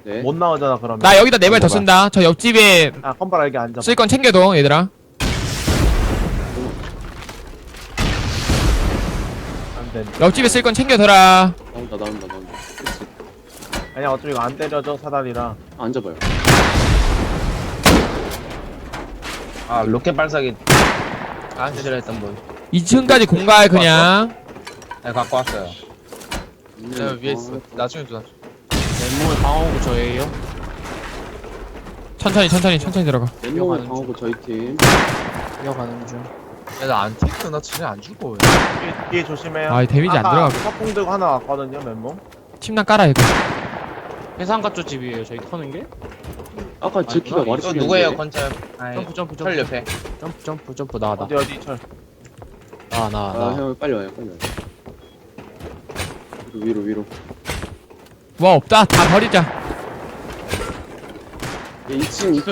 네. 못 나오잖아 그러면. 나 여기다 4발 더 쓴다. 저 옆집에 아 컴바라 여기 앉아. 쓸 건 챙겨둬 얘들아. 안돼. 옆집에 쓸 건 챙겨둬라. 나온다. 그치. 아니야 어차피 이거 안 때려줘 사다리라. 앉아봐요. 아 로켓 발사기 안 싫어했던 분. 2층까지 공갈 그냥. 네 갖고 왔어요. 네, 위에 있어. 나중에 줘. 맨몸을 방어구 저예요. 천천히 들어가. 맨몸을 방어고 저희 팀. 이어가는 중. 야나안 탱크 나 진짜 안 죽어. 뒤에 조심해요. 아, 데미지 안 들어가고. 서풍 들고 하나 왔거든요 맨몸. 침낭 깔아 이거. 해상가 쪽 집이에요. 저희 터는 게. 아까 지키가 이거 말했었는데. 누구예요 건철? 점프. 철 옆에. 점프 나. 어디 철. 아, 형 빨리 와요. 위로. 뭐 없다. 다 버리자. 2층.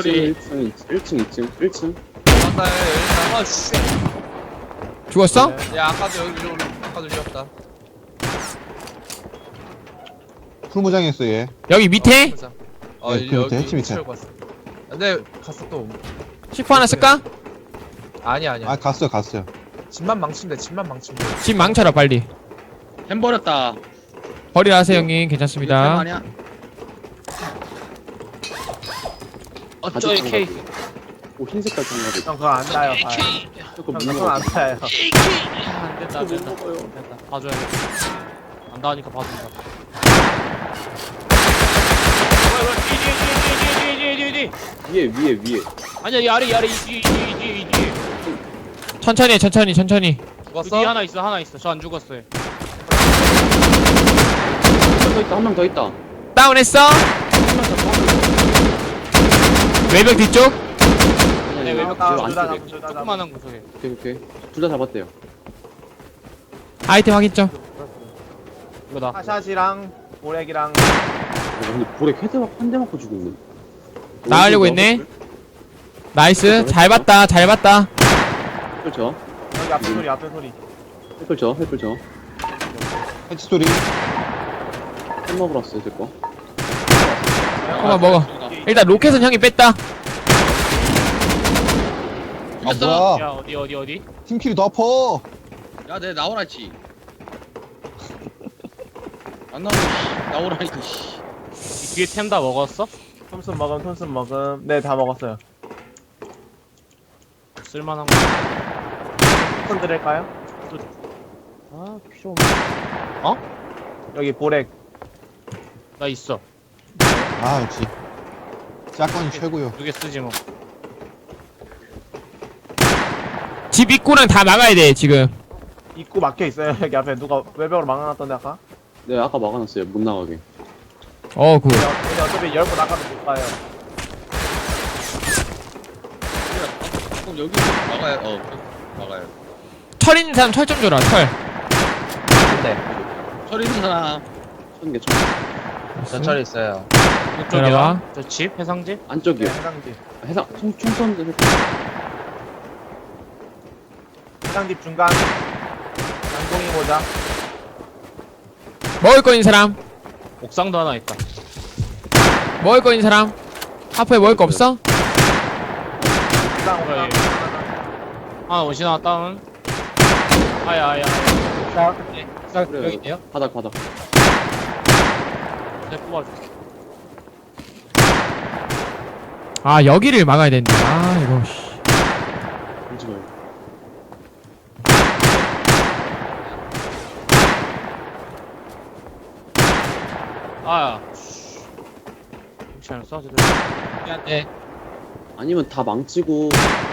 맞다. 아 씨. 죽었어? 네. 야 아까도 아까도 죽였다. 풀무장했어 얘. 여기 밑에? 네, 그 밑에, 햇빛 밑에. 갔어. 근데 갔어 또. C4 하나 쓸까? 아니야. 아 갔어요. 집만 망치면 돼. 집 망쳐라 빨리. 햄 버렸다. 버리라 하세요 형님. 괜찮습니다. 아니야? 저희 K. 오, 흰 색깔 장갑이. 형 그거 안 따요. 그거 형 못 그건 안 먹어. 따요. 안 된다. 됐다. 봐줘야겠다. 안 닿으니까 봐준다. 뒤. 위에. 아니야 이 아래 이 뒤. 천천히 해, 천천히. 그 뒤에 하나 있어. 저 안 죽었어요. 한 명 더 있다. 다운했어? 외벽 뒤쪽? 네, 외벽 뒤로 둘다 안쪽에. 잡고 둘다 잡고. 조그만한 구석에. 오케이. 둘 다 잡았대요. 아이템 확인점. 이거다. 하샷이랑 보렉이랑 근데 볼에 한 대 맞고 죽었네. 나가려고 했네. 나이스. 잘 봤다. 햇불 저. 여기 앞에 소리. 햇불 저. 해치 소리. 햄 먹으러 왔어요, 제 거. 한번 먹어. 일단 로켓은 형이 뺐다. 아 뭐야? 야 어디? 팀킬이 더 아파. 야, 내 나오라지. 안 나오네. 나오라니까. 씨. 이 뒤에 템 다 먹었어? 톰슨 먹음. 네 다 먹었어요. 쓸만한 거. 톰슨 드릴까요? 아 필요 없네. 여기 보렉. 나 있어. 아 역시 짝건이 최고요. 2개 쓰지 뭐. 집 입구는 다 막아야 돼 지금. 입구 막혀 있어요. 여기 앞에 누가 외벽으로 막아놨던데 아까. 네, 아까 막아놨어요. 못 나가게. 굿. 근데 어차피 열고 나가도 못 가요. 그럼 여기 막아요. 막아요. 철 있는 사람 철 좀 줘라. 철. 철 있는 사람. 천 개. 전철 있어요. 이쪽이야. 내려와. 저 집? 해상집? 안쪽이요. 네, 해상집. 총 쏘는데 해상집 중간. 양동이 모자. 먹을 거 있는 사람. 옥상도 하나 있다. 먹을 거 있는 사람. 하프에 먹을 거 없어? 옥상. 그래. 아 원신아 다운. 아야. 그래요. 여기 있네요. 바닥. 내 뽑아줘. 아 여기를 막아야 된다. 아 이거. 씨. 울지 마요. 아야. 괜찮아 쏴 제대로. 미안해. 아니면 다 망치고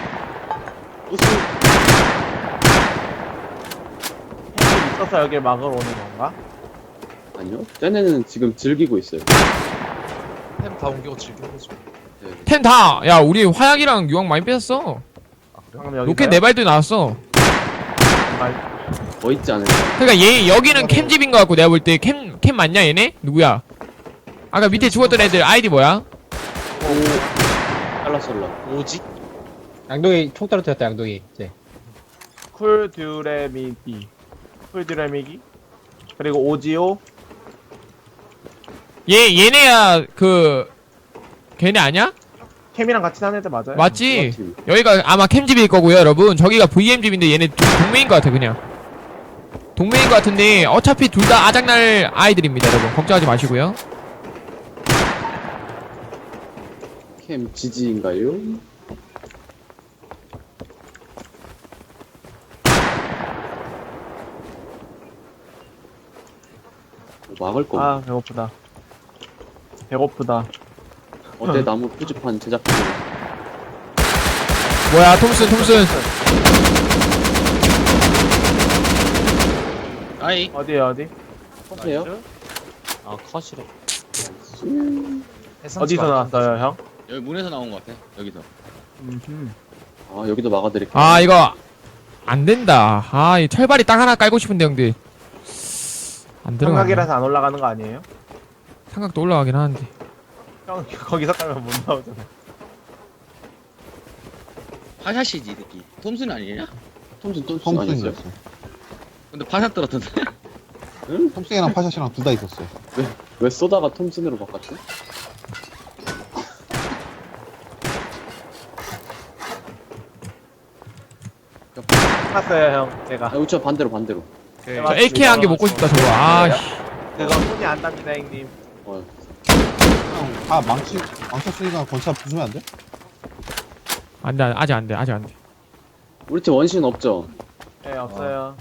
해상집 있어서 여길 막으러 오는 건가? 아니요. 쟤네는 지금 즐기고 있어요. 햄다 옮기고 즐기는 거지. 네. 템 다. 야 우리 화약이랑 유황 많이 뺐었어. 아 그래? 방금 여기. 로켓 4발도 나왔어. 더 있지 않을까? 그러니까 얘 여기는 캠집인 거 같고 내가 볼 때 캠 맞냐 얘네? 누구야? 아까 밑에 죽었던 애들 아이디 뭐야? 잘랐을라. 오지? 양동이 총 떨어뜨렸다 양동이. 네. 쿨듀레미기. 그리고 오지오. 얘네야 걔네 아니야? 캠이랑 같이 사는 애들 맞아요? 맞지? 팀. 여기가 아마 캠집일 거고요 여러분. 저기가 VM집인데 얘네 동맹인 것 같아 그냥. 동맹인 것 같은데 어차피 둘 다 아작날 아이들입니다 여러분. 걱정하지 마시고요. 캠 지지인가요? 막을 거. 아 배고프다. 배고프다. 어때 나무 표지판 제작비. 뭐야 톰슨. 아이 어디에요 어디? 하세요? 아 컷이래. 어디서 나왔어요 형? 여기 문에서 나온 것 같아. 여기서. 아 여기도 막아드릴게요. 아 이거 안 된다. 아 이 철발이 땅 하나 깔고 싶은데 형들. 안 들어가. 삼각이라서 안 올라가는 거 아니에요? 삼각도 올라가긴 하는데. 형 거기서 깔면 못 나오잖아. 파샷이지 이 새끼. 톰슨 아니냐? 톰슨 아니었어요? 톰슨이었어. 근데 파샷 들었던데. 응? 톰슨이랑 파샷이랑 둘 다 있었어요. 왜 쏘다가 톰슨으로 바꿨지? 샀어요 형 제가. 아 우차 반대로. 저 AK 한 개 먹고 싶다 저거. 아 씨. 그거 손이 안 답니다 형님. 어, 형, 다 망쳤으니까 건차 부수면 안 돼? 안돼 아직 안돼. 우리 팀 원신 없죠? 네 없어요.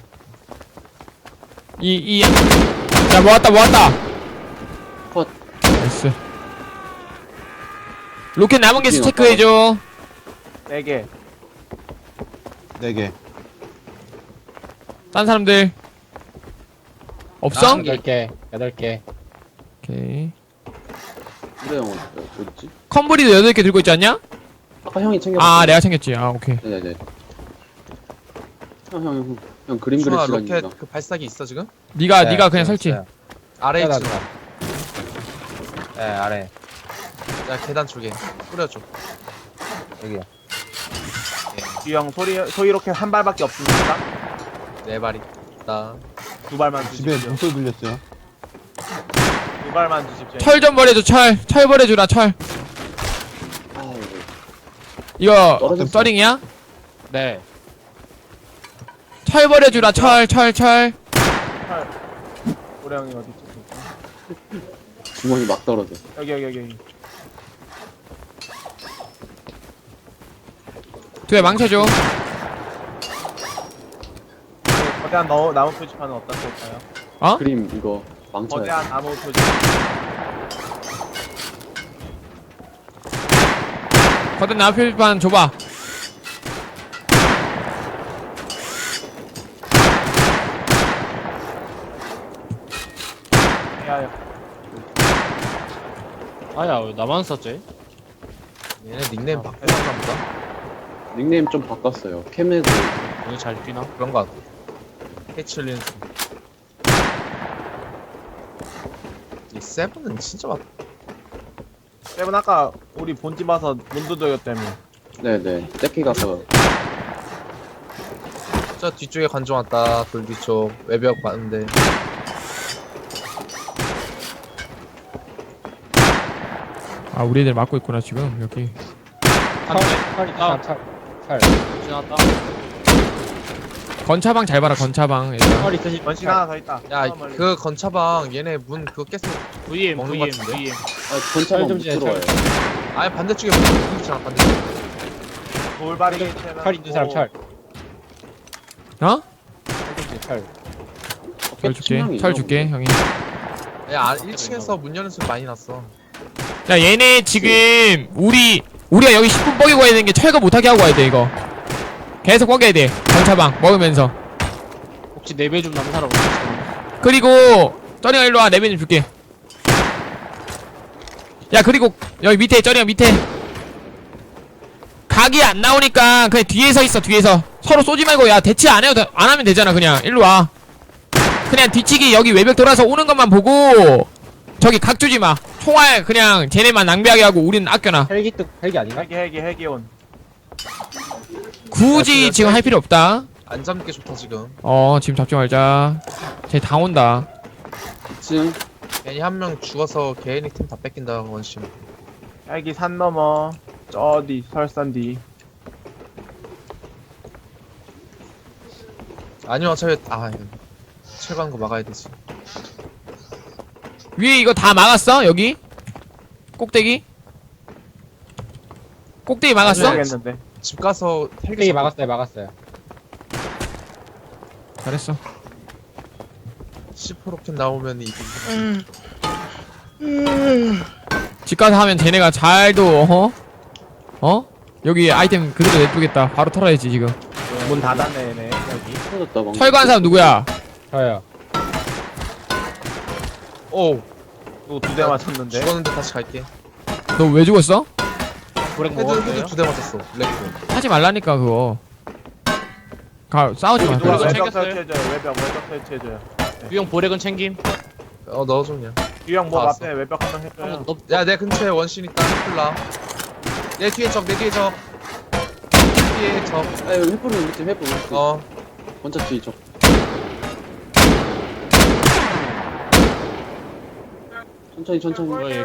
자 모았다. 컷. 나이스. 로켓 남은 개수 체크해줘. 4개. 4개. 딴 사람들 없어? 8개 8개 오케이. 그래 형은 어딨지? 컴브리도 8개 들고 있지 않냐? 아까 형이 챙겼어. 아 내가 챙겼지. 아 오케이. 네네네. 형 그림 그릴 중아 시간입니다. 로켓 그 발사기 있어 지금? 네가 그냥 설치. 아래 하나 있지. 네 아래. 야 계단 쪽에 뿌려줘. 여기요. 뒤형 소리 로켓 한 발밖에 없습니까? 네 발이. 나. 2발만 집에 주십시오. 목소리 들렸어요. 2발만 주십시오. 철 좀 버려줘. 철 버려주라 철. 아우, 이거 떨어졌어. 서링이야? 네. 철 버려주라. 철. 우리 형이 어디 있지? 주머니 막 떨어져. 여기. 뒤에 망쳐줘. 거대한 나무 표지판은 어떤 걸까요? 그림 이거 망쳐야 거대한 나무 표지판. 거든 나 표지판 줘봐. 야. 아야 왜 나만 썼지? 얘네 닉네임 바꾸었나 보다. 닉네임 좀 바꿨어요. 캠에도 오늘 잘 뛰나? 그런 거 같아. 캐치린스. 이 세븐은 진짜 맞. 세븐 아까 우리 본집 와서 문두도요 때문에. 네네. 떼키 가서 저 뒤쪽에 관중 왔다. 돌 뒤쪽 외벽 봤는데. 아 우리 애들 막고 있구나 지금 여기. 한대 철 지났다. 건차방 잘 봐라 건차방. 얘들아. 철 있으시 원신 하나 더 있다. 야 저 멀리. 그 건차방 얘네 문 그거 깼어. VM 먹는 것 VM 같은데? VM. 아 건차가 철 좀 못 주세요, 들어와요. 아니 반대쪽에 문 있잖아 반대쪽. 돌발이 철 있는 사람 철 어? 철 철 줄게. 철 줄게 형이. 야 1층에서 문 여는 소리 많이 났어. 야 얘네 지금 우리가 여기 10분 뻐기고 가야 되는 게 철거 못하게 하고 가야 돼 이거. 계속 뻐겨야 돼. 건차방 먹으면서. 혹시 4배 좀 남은 사람 없어? 그리고 쩌리야 일로와 레벨 좀 줄게. 야 그리고 여기 밑에 쩌리야 밑에 각이 안 나오니까 그냥 뒤에서 있어. 뒤에서 서로 쏘지 말고 야 대치 안 하면 되잖아. 그냥 일로와. 그냥 뒤치기 여기 외벽 돌아서 오는 것만 보고 저기 각 주지 마. 총알 그냥 쟤네만 낭비하게 하고 우리는 아껴놔. 헬기 아닌가? 헬기 온. 굳이 지금 할 필요 없다. 안 잡는 게 좋다 지금. 지금 잡지 말자. 쟤 다 온다. 2층 괜히 한 명 죽어서 개인이 팀 다 뺏긴다 원심. 여기 산 넘어 저 뒤 설산 뒤. 아니면 어차피 철관 거 막아야 되지. 위에 이거 다 막았어? 여기? 꼭대기? 꼭대기 막았어? 모르겠는데. 집 가서 헬기 뚝배기 막았어요. 잘했어. 10% 로켓 나오면 이기지. 집 가서 하면 쟤네가 잘도 여기 아이템 그대로 냅두겠다. 바로 털어야지 지금. 문 닫았네 얘네 여기. 터졌다 방금. 철거한 사람 누구야? 저요. 오 또 2대 맞췄는데. 죽었는데 다시 갈게. 너 왜 죽었어? 고랭 헤드 먹었어요? 2대 맞았어. 렉고. 하지 말라니까 그거. 싸우지 마. 누가 그래서 외벽 챙겼어요? 설치해줘요. 외벽 설치해줘요. 유형 보렉은 챙김. 넣어줘 그냥. 유형 뭐 다 왔어. 앞에 외벽 한 명 해줘요. 한번 야 내 근처에 원신 있다. 힐라. 내 뒤에 적. 뒤에 적. 아 여기 횃불은 우리 팀 횃불. 원자 뒤 적. 천천히. 뭐야 얘.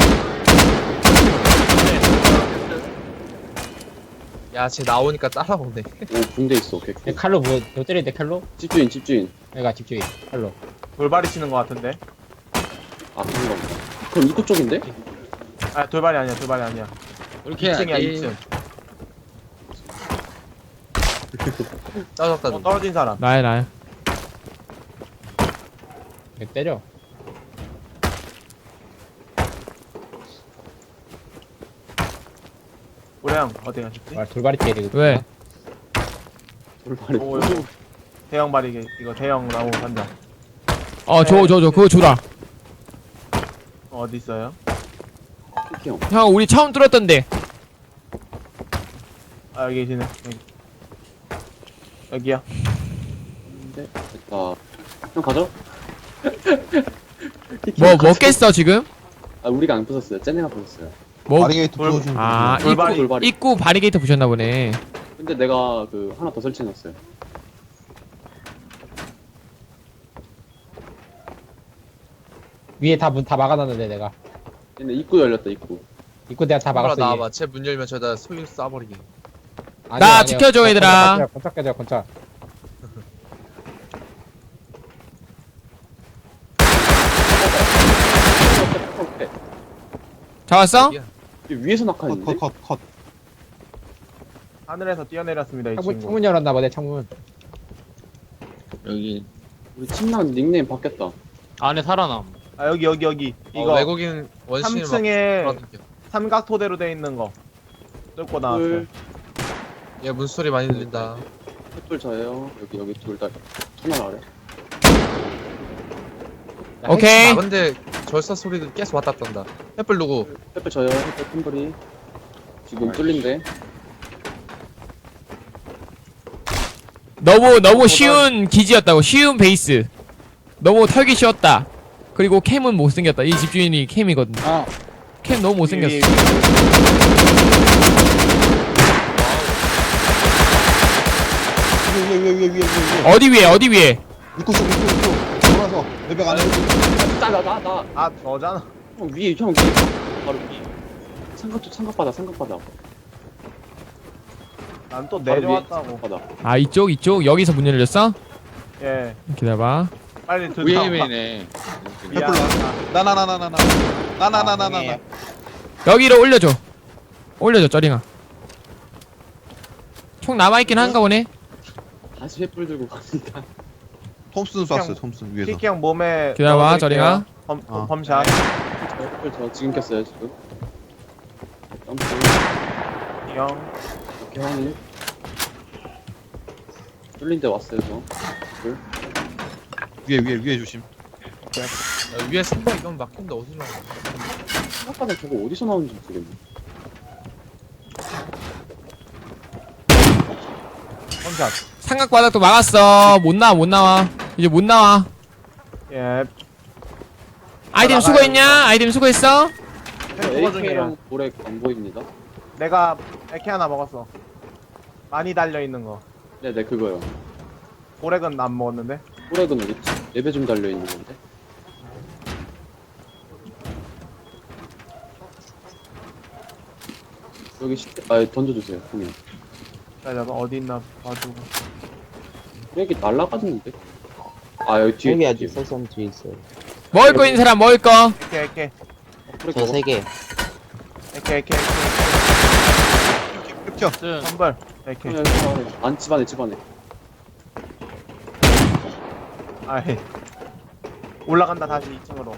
야쟤 나오니까 따라오네. 오 붕대 있어. 개꿀. 얘 칼로 너 때리는데 칼로? 집주인. 얘가 집주인 칼로. 돌발이 치는 것 같은데. 아 그런가. 그럼 입구 쪽인데? 아 돌발이 아니야. 이렇게 2층이야 해야지. 2층. 짜졌다. 떨어진 사람. 나야. 얘 때려. 우량 어디 가셨지? 돌발이 때야 되거든. 왜? 돌발이. 오, 여기. 대형 발이게 이거 대형 나무 한장 줘. 그거 줘라. 어디 있어요? 키키 형. 형 우리 처음 뚫었던데. 아 여기 계시네. 여기야. 네, 됐다. 형 가져. 뭐 먹겠어 지금? 아 우리가 안 부쉈어요. 쟤네가 부쉈어요. 뭐? 바리게이트 부서주면 아 돌발이. 입구 바리게이트 부셨나 보네. 근데 내가 그 하나 더 설치해놨어요. 위에 다 문 다 막아놨는데 내가. 얘네 입구 열렸다 입구. 입구 내가 다 막았어. 나와봐. 쟤 문 열면 저다 소유 쏴버리게. 나 지켜줘, 얘들아. 건차 깨져 건차. 잡았어? 위에서 낙하했는데? 컷. 하늘에서 뛰어내렸습니다 이 친구. 창문 열었나 보네 창문. 여기 우리 팀랑 닉네임 바뀌었다. 안에 살아남. 아 여기 이거 외국인 원신을 3층에 막 삼각 토대로 돼 있는 거 뚫고 나왔어요. 둘, 얘 문소리 많이 들린다. 횃불 저예요. 여기 둘 다 터널 아래. 오케이. 근데 절사 소리도 계속 왔다 갔다 한다. 햇불 누구? 횃불 저요. 횃불 큰 지금 뚫린데. 너무 쉬운 기지였다고. 쉬운 베이스. 너무 털기 쉬웠다. 그리고 캠은 못생겼다. 이 집주인이 캠이거든. 아 캠 너무 못생겼어. 위에. 어디 위에? 입구 쪽. 돌아서 외벽 안에. 나. 아 저잖아. 형 위에 바로 위에. 삼각바다. 난 또 바로 위에 내려왔다고. 삼각바다. 아 이쪽 여기서 문 열렸어? 예. 기다려봐. 빨리 들어와. 위에맨에 미안. 나나나나나. 여기로 올려줘 쩌링아. 총 남아있긴 한가 보네. 다시 횃불 들고 갑니다. 톰슨 쐈어요. 톰슨 위에서. 키키 형 몸에 기다려봐, 넣어드릴게요. 저리가. 범샷. 횃불 저 지금 켰어요 지금. 점프. 형. 이렇게 하니. 뚫린 데 왔어요 저. 횃불. 위에 조심. 야, 위에 선박 이건 막힌데 어디서 나와? 삼각바다 저거 어디서 나오는지 모르겠네. 범샷. 삼각바닥도 막았어. 못 나와. 이제 못 나와. 예. 아이템 수거했냐? 아이템 수거했어? 수거 중이에요. AK랑 볼에 안 보입니다. 내가 AK 하나 먹었어. 많이 달려 있는 거. 네네 그거요. 고렉은 안 먹었는데. 볼액은 어디 있지? 랩에 좀 달려 있는 건데. 여기 아 던져주세요 형님. 기다려봐 어디 있나 봐주고. 여기 날라가는데? 아 여기 뒤에 여기 아직 설산 뒤에 있어요. 먹을 거 있는 사람 먹을 거. 에케 저 3개. 에케 흡죠. 쓴. 선벌 에케. 안 집안에 집안에. 아이 올라간다 다시 2층으로.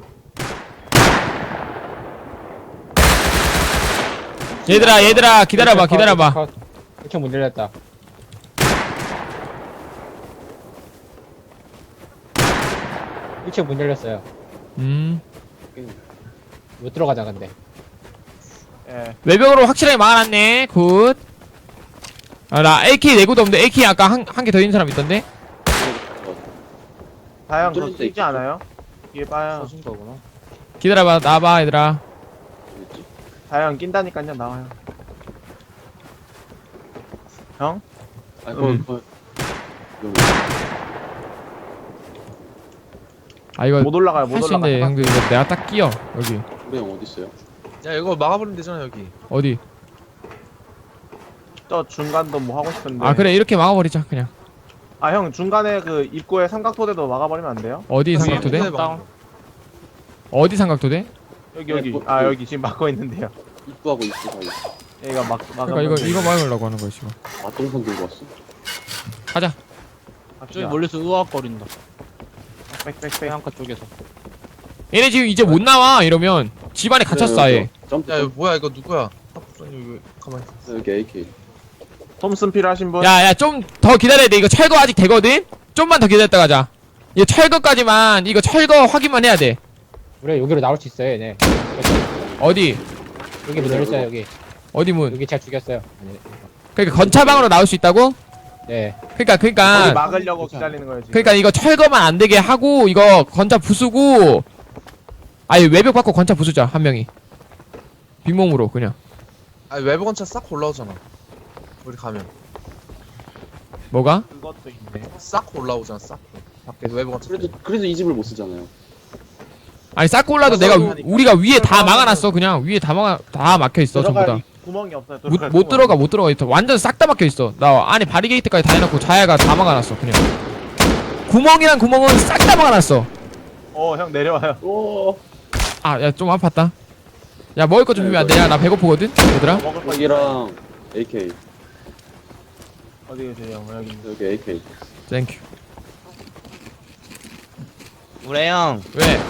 얘들아 기다려봐. 1층 문 열렸다. 일층 문 열렸어요. 못 들어가자 근데. 예. 외벽으로 확실하게 막아놨네. 굿. 아, 나 AK 내구도 없는데 AK 아까 한 개 더 있는 사람 있던데? 다양 그거 뚫린데 쓰지 않아요? 뒤에 봐요. 써준 거구나. 기다려봐 나와봐 얘들아. 다양 낀다니까요 나와요. 형? 아 거기 여기. 아 이거 못 올라가요 못 할 수 올라가. 있는데 형들 이거 내가 딱 끼어 여기. 우리 형 어디 있어요? 야 이거 막아버리면 되잖아 여기. 어디? 저 중간도 뭐 하고 싶은데. 아 그래 이렇게 막아버리자 그냥. 아 형 중간에 그 입구에 삼각토대도 막아버리면 안 돼요? 어디 여기 삼각도대? 막- 다운. 어디 삼각도대? 여기 아 여기 지금 막고 있는데요. 입구하고 입구 사이. 얘가 막아. 그러니까 이거 막으려고 하는 거야 지금. 맞동선 들고 왔어. 가자. 저기 멀리서 으악거린다. 빽빽빽. 해안가 쪽에서. 얘네 지금 이제 못 나와 이러면 집안에 갇혔어 아예. 점프. 야 이거 뭐야 이거 누구야? 탑부장님 왜 가만히 있어? 여기 AK. 톰슨 필요하신 분? 야야 좀 더 기다려야 돼. 이거 철거 아직 되거든? 좀만 더 기다렸다 가자. 이거 철거까지만 이거 철거 확인만 해야 돼. 우리 여기로 나올 수 있어요 얘네. 어디? 여기 문 열렸어요 여기. 어디 문? 여기 제가 죽였어요. 네. 그러니까 건차방으로 나올 수 있다고? 네. 그러니까 거기 그러니까 막으려고 기다리는 거예요 지금. 그러니까 이거 철거만 안 되게 하고 이거 건차 부수고 아예 외벽 받고 건차 부수자 한 명이 빈몸으로 그냥. 아니 외부 건차 싹 올라오잖아. 우리 가면 뭐가? 그것도 있네. 싹 올라오잖아 싹. 밖에 외부 건차. 그래서 이 집을 못 쓰잖아요. 아니 쌓고 올라도 내가 우리가 위에 다 막아놨어 그냥 위에 다 막혀 있어 전부 들어갈 다. 구멍이 없어요. 못 들어가 있어. 완전 싹 다 막혀 있어. 나 안에 바리게이트까지 다 해놓고 자야가 다 막아놨어 그냥. 구멍이란 구멍은 싹 다 막아놨어. 형 내려와요. 오. 아 야 좀 아팠다. 야 먹을 거 좀 주면 안 되냐? 나 배고프거든 얘들아. 먹을 거 여기랑 AK. 어디 계세요? 여기 있는데. 여기 AK. 땡큐. 우래 형 왜?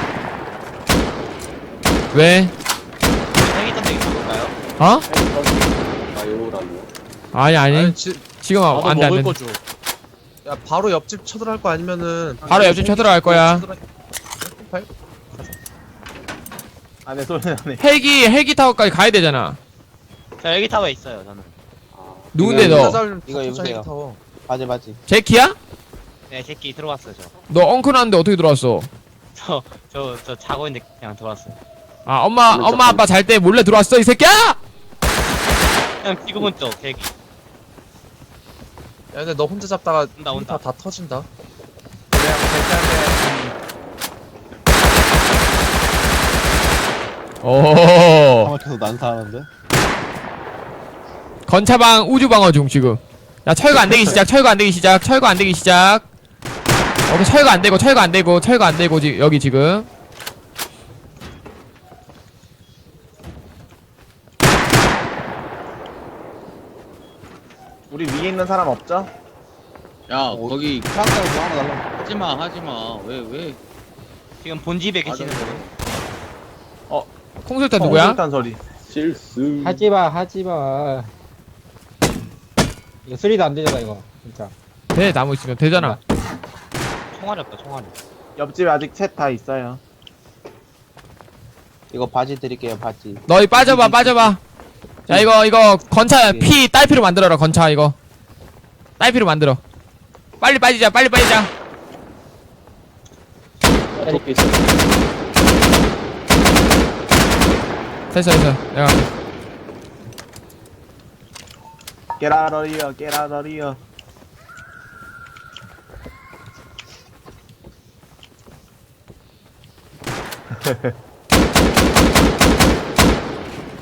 왜? 생일 선택 있어볼까요? 어? 바이오라뇨. 아니 아니 지, 지금 나도 안돼 먹을 안돼. 거 줘. 야 바로 옆집 쳐들어갈 거 아니면은 바로 옆집 쳐들어갈 거야. 안에 소리 나네. 헬기 타워까지 가야 되잖아. 저 여기 타워에 있어요 저는. 아. 누군데 너? 이거 여보세요. 바지. 제키야? 네 새끼 들어왔어요 저. 너 엉클한데 어떻게 들어왔어? 저 자고 있는데 그냥 들어왔어요. 아 엄마 아빠 잘 때 몰래 들어왔어 이 새끼야? 그냥 지금은 또 계획이. 야 근데 너 혼자 잡다가 온다. 다 터진다. 그냥 괜찮은데. 오. 방학해서 난사하는데. 건차방 우주 방어 중 지금. 야 철거 안 되기 시작. 철거 안 되기 시작. 오케이 철거 안 되고 여기 지금. 우리 위에 있는 사람 없죠? 야 거기 방학해서 뭐 하나 날라. 하지마 왜 지금 본집에 계시는 분. 콩술탄 누구야? 일단 소리. 실수. 하지마. 이거 수리도 안 되잖아 이거 진짜. 돼 나무 있으면 되잖아. 총알이 없다 총알이. 옆집에 아직 셋 다 있어요. 이거 바지 드릴게요, 바지. 너희 빠져봐. 야 이거 건차 피 딸피로 만들어라 건차 이거. 딸피로 만들어. 빨리 빠지자. 어떻게 있어? 됐어. 내가 깨라러리요.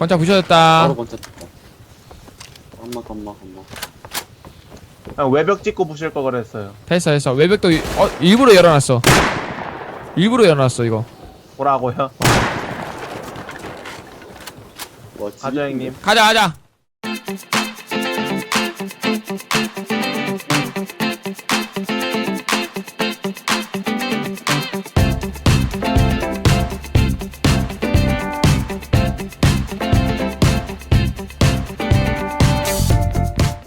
건차 부셔졌다. 바로 건차 쳤다. 엄마. 그냥 외벽 찍고 부실 거 그랬어요. 됐어. 외벽도 일부러 열어놨어. 일부러 열어놨어 이거. 뭐라고요? 뭐, 가자 형님. 가자.